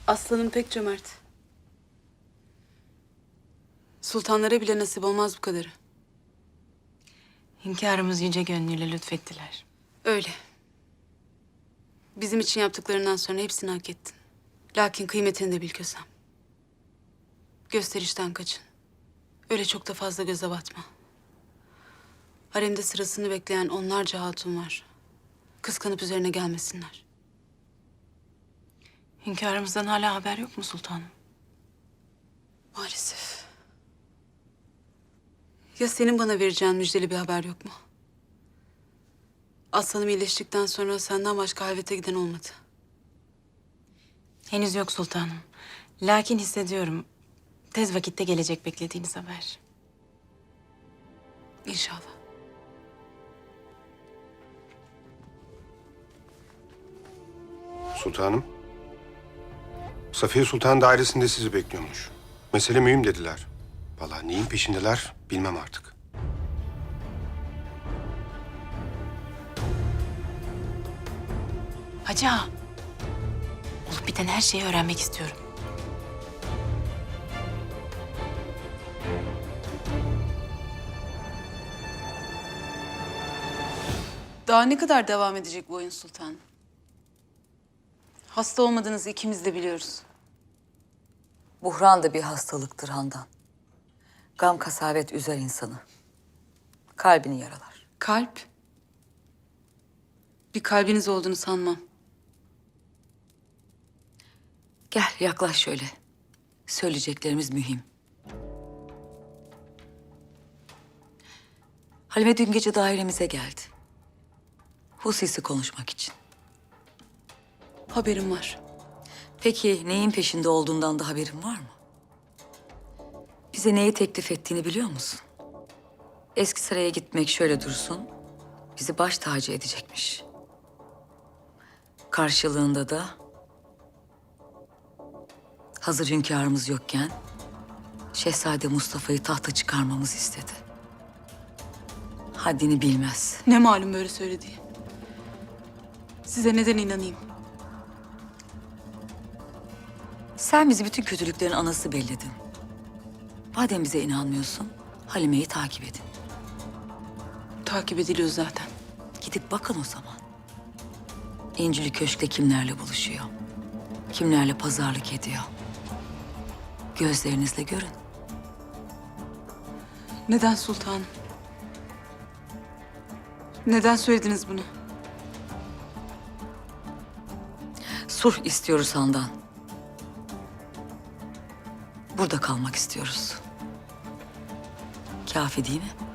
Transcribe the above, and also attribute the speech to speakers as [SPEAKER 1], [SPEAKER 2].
[SPEAKER 1] Aslanım pek cömert. Sultanlara bile nasip olmaz bu kadarı.
[SPEAKER 2] Hünkârımız yüce gönlüyle lütfettiler.
[SPEAKER 1] Öyle. Bizim için yaptıklarından sonra hepsini hak ettin. Lakin kıymetini de bil Kösem. Gösterişten kaçın. Öyle çok da fazla göze batma. Haremde sırasını bekleyen onlarca hatun var. Kıskanıp üzerine gelmesinler.
[SPEAKER 2] Hünkârımızdan hala haber yok mu sultanım?
[SPEAKER 1] Maalesef. Ya senin bana vereceğin müjdeli bir haber yok mu? Aslanım iyileştikten sonra senden başka halvete giden olmadı.
[SPEAKER 2] Henüz yok sultanım. Lakin hissediyorum. Tez vakitte gelecek beklediğiniz haber.
[SPEAKER 1] İnşallah.
[SPEAKER 3] Sultanım. Safiye Sultan dairesinde sizi bekliyormuş. Mesele mühim dediler. Vallahi neyin peşindeler bilmem artık.
[SPEAKER 2] Hacı ağa. Olup biten her şeyi öğrenmek istiyorum.
[SPEAKER 1] Daha ne kadar devam edecek bu oyun sultanım? Hasta olmadığınızı ikimiz de biliyoruz.
[SPEAKER 4] Buhran da bir hastalıktır Handan. Gam kasavet üzer insanı. Kalbini yaralar.
[SPEAKER 1] Kalp? Bir kalbiniz olduğunu sanmam.
[SPEAKER 4] Gel yaklaş şöyle. Söyleyeceklerimiz mühim. Halime dün gece dairemize geldi. Hususi konuşmak için.
[SPEAKER 1] Haberim var.
[SPEAKER 4] Peki neyin peşinde olduğundan da haberin var mı? Bize neyi teklif ettiğini biliyor musun? Eskisaray'a gitmek şöyle dursun, bizi baş tacı edecekmiş. Karşılığında da hazır hünkârımız yokken Şehzade Mustafa'yı tahta çıkarmamızı istedi. Haddini bilmez.
[SPEAKER 1] Ne malum böyle söylediği. Size neden inanayım?
[SPEAKER 4] Sen bizi bütün kötülüklerin anası belledin. Madem bize inanmıyorsun, Halime'yi takip edin.
[SPEAKER 1] Takip ediliyor zaten.
[SPEAKER 4] Gidip bakın o zaman. İncili Köşk'te kimlerle buluşuyor? Kimlerle pazarlık ediyor? Gözlerinizle görün.
[SPEAKER 1] Neden sultanım? Neden söylediniz bunu?
[SPEAKER 4] Sulh istiyoruz Handan. Burada kalmak istiyoruz. Kafi değil mi?